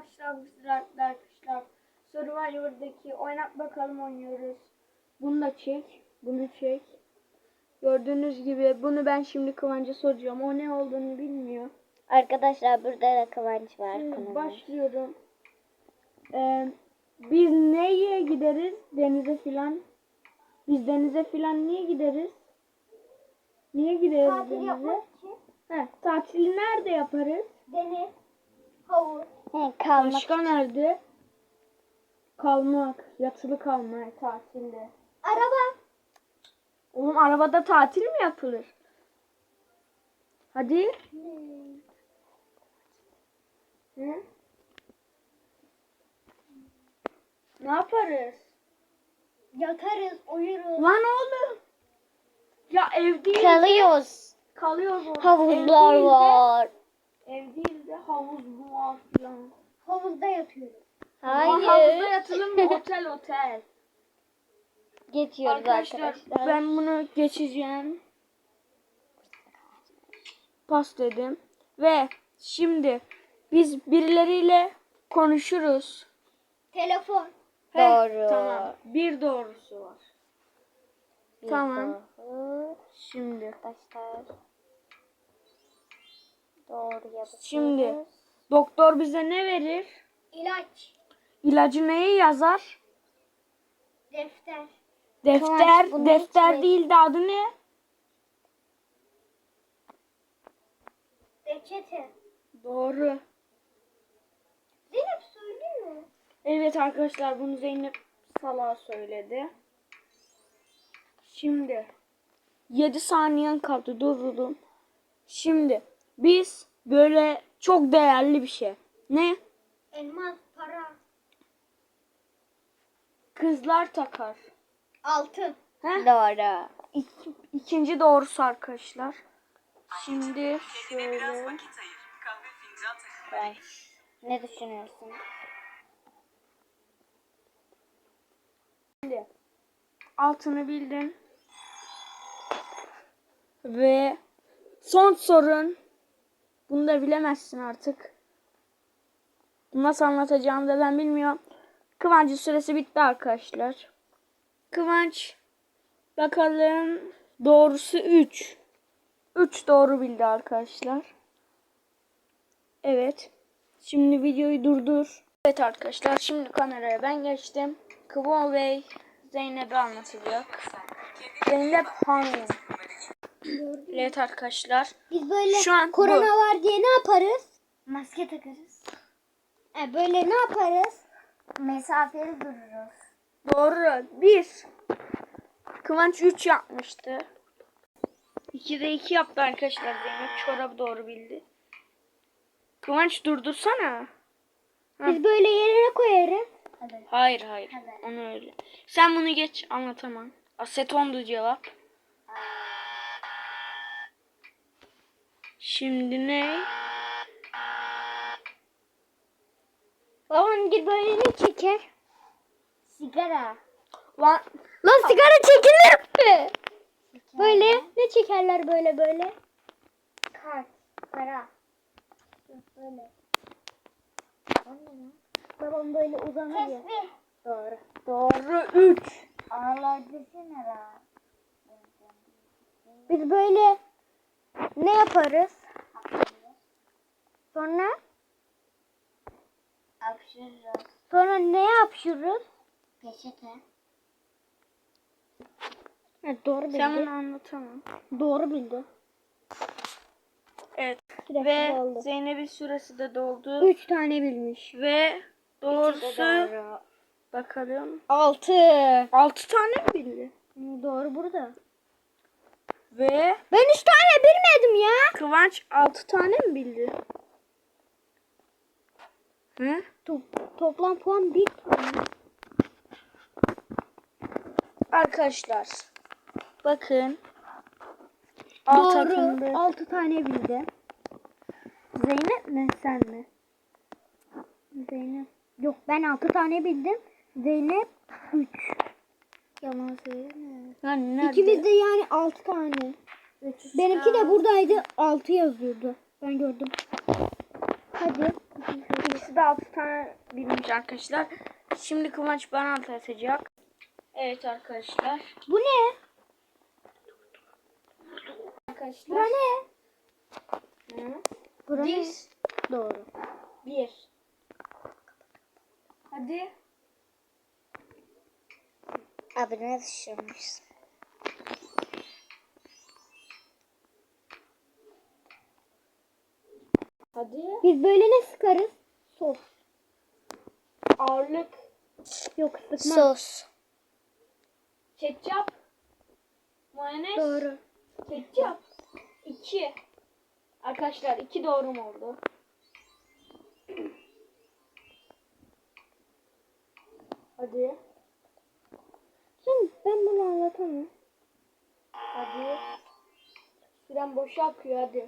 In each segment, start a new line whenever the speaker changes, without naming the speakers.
arkadaşlar, bu sizlerle arkadaşlar Survivor'daki oynat bakalım oynuyoruz. Bunu da çek, bunu çek. Gördüğünüz gibi bunu ben şimdi Kıvanç'a soracağım. O ne olduğunu bilmiyor.
Arkadaşlar burada da Kıvanç var.
Başlıyorum. Biz neye gideriz? Denize filan. Biz denize filan niye gideriz? Niye gideriz
Tatil
denize?
yapmak için.
Tatili nerede yaparız?
Deniz, havuz. Kalmak.
Başka nerede? Kalmak, yatılı kalmak tatilde.
Araba.
Oğlum arabada tatil mi yapılır? Hadi. Hı? Ne yaparız?
Yatarız, uyuruz.
Lan oğlum. Ya ev değil de
Kalıyoruz.
kalıyoruz orada.
Havuzlar var.
Ev değil de havuz mu var falan.
Havuzda yatıyoruz.
Havuzda
Hayır.
yatılır mı? Otel.
Geçiyoruz arkadaşlar.
Ben bunu geçeceğim. Pas dedim. Ve şimdi biz birileriyle konuşuruz.
Telefon.
Doğru. Tamam. Bir doğrusu var. Tamam.
Doğru.
Şimdi.
Arkadaşlar. Doğru yapıyoruz.
Şimdi doktor bize ne verir?
İlaç.
İlacı neye yazar?
Defter.
Defter.
bunu
Defter
hiç
değil de adı ne?
Reçete.
Doğru.
Zeynep söylüyor.
Evet arkadaşlar, bunu Zeynep Salah söyledi. Şimdi 7 saniyen kaldı, durdurdum. Şimdi biz böyle çok değerli bir şey. Ne?
Elmas, para.
Kızlar takar.
Altın.
Heh.
Doğru.
İkinci doğrusu arkadaşlar. Şimdi şöyle.
Ben. Ne düşünüyorsun?
Şimdi altını bildin. Ve son sorun. Bunu da bilemezsin artık. Nasıl anlatacağımı da ben bilmiyorum. Kıvanç'ın süresi bitti arkadaşlar. Kıvanç bakalım, doğrusu 3. 3 doğru bildi arkadaşlar. Evet. Şimdi videoyu durdur. Evet arkadaşlar, şimdi kameraya ben geçtim. Kıvan Bey Zeynep'e anlatacak. Zeynep Hanım. Evet arkadaşlar.
Biz böyle
Şu an
korona var diye ne yaparız? Maske takarız. Böyle ne yaparız? Mesafeli dururuz.
Doğru. 1. Kıvanç 3 yapmıştı. 2'de 2 yaptı arkadaşlar Zeynep. Çorabı doğru bildi. Kıvanç durdursana.
Biz böyle yerine koyarız.
Hayır.
Hadi.
Onu öyle. Sen bunu geç, anlatamam. Asetondu cevap. Şimdi ne?
Babam gibi böyle ne çeker? Sigara.
Lan
Sigara çekilir mi? Böyle ne çekerler böyle? Kart, para. Böyle. Babam böyle uzanıyor. Tesbih.
doğru 3.
Ağlar desene la. Biz böyle ne yaparız? Sonra? Hapşırırız. Sonra ne hapşırırız? Peçete. Evet, doğru bildi.
Sen bunu anlatamam.
Doğru bildi.
Evet.
Süresi
Ve
doldu.
Zeynep'in süresi de doldu.
3 tane bilmiş.
Ve doğrusu bakalım.
6.
6 tane mi bildi?
Doğru burada.
Ve
Ben 3 tane bilmedim ya.
Kıvanç 6 tane mi bildi? Hı?
Toplam puan 1 tane.
Arkadaşlar bakın.
Doğru. 6 tane bildi. Zeynep mi sen mi? Zeynep. Yok, ben 6 tane bildim. Zeynep 3. Yalan söyleme.
Yani nerede?
İkimiz de yani 6 tane. Benimki de buradaydı. 6 yazıyordu. Ben gördüm. Hadi.
Kendisi de 6 tane bilmiş arkadaşlar. Şimdi Kıvanç bana atacak. Evet arkadaşlar.
Bu ne?
Arkadaşlar.
Bura ne?
Hı?
Bura ne?
Diz.
Doğru.
1. Hadi.
Abi ne düşürmüşsün?
Hadi.
Biz böyle ne sıkarız? Sos.
Ağırlık.
Yok sıkma.
Sos.
Ketçap. Mayonez.
Doğru.
Ketçap. 2. Arkadaşlar 2 doğru mu oldu? Hadi.
Şimdi ben bunu anlatamam.
Hadi. Süren boşa akıyor hadi.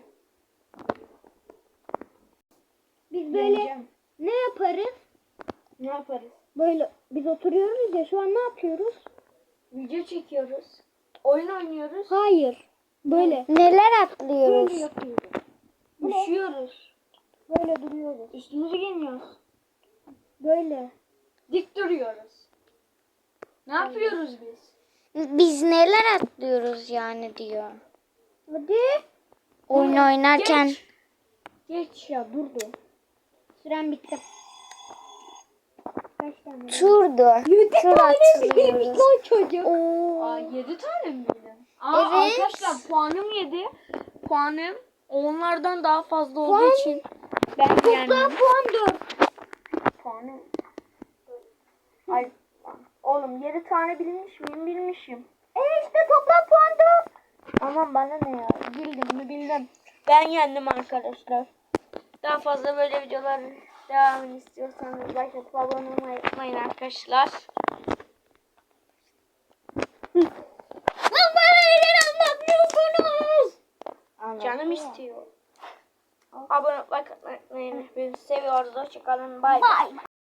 Biz böyle
Yeneceğim.
ne yaparız?
Ne yaparız?
Böyle biz oturuyoruz ya şu an ne yapıyoruz?
Video çekiyoruz. Oyun oynuyoruz.
Hayır. Böyle.
Neler atlıyoruz?
Böyle yapıyoruz. Bu ne?
Üşüyoruz.
Böyle duruyoruz.
Üstümüzü giymiyoruz.
Böyle.
Dik duruyoruz. Ne yapıyoruz biz?
Biz neler atlıyoruz yani diyor.
Hadi.
Oyun oynarken
Geç. Geç ya durdu.
Süren bitti. Kaç tane?
turdu.
7
Tur
tane bilmiş
atlıyoruz.
lan çocuk.
Aa 7 tane mi bildin? Aa
Evet.
arkadaşlar puanım 7. Puanım onlardan daha fazla olduğu
Puan-
için ben
Toplam
yendim.
puan 4.
Puanım. Ay oğlum 7 tane bilmiş miyim? Bilmişim.
İşte toplam puan 4.
Aman bana ne ya? Bildim mi bildim. Ben yendim arkadaşlar. Daha fazla böyle videolar devamını istiyorsanız like atıp abone olmayı unutmayın arkadaşlar.
Lan bana neler anlatmıyorsunuz?
Canım istiyor. Abone olmayı unutmayın. Bizi seviyoruz. Hoşçakalın. Bay bay.
Bye.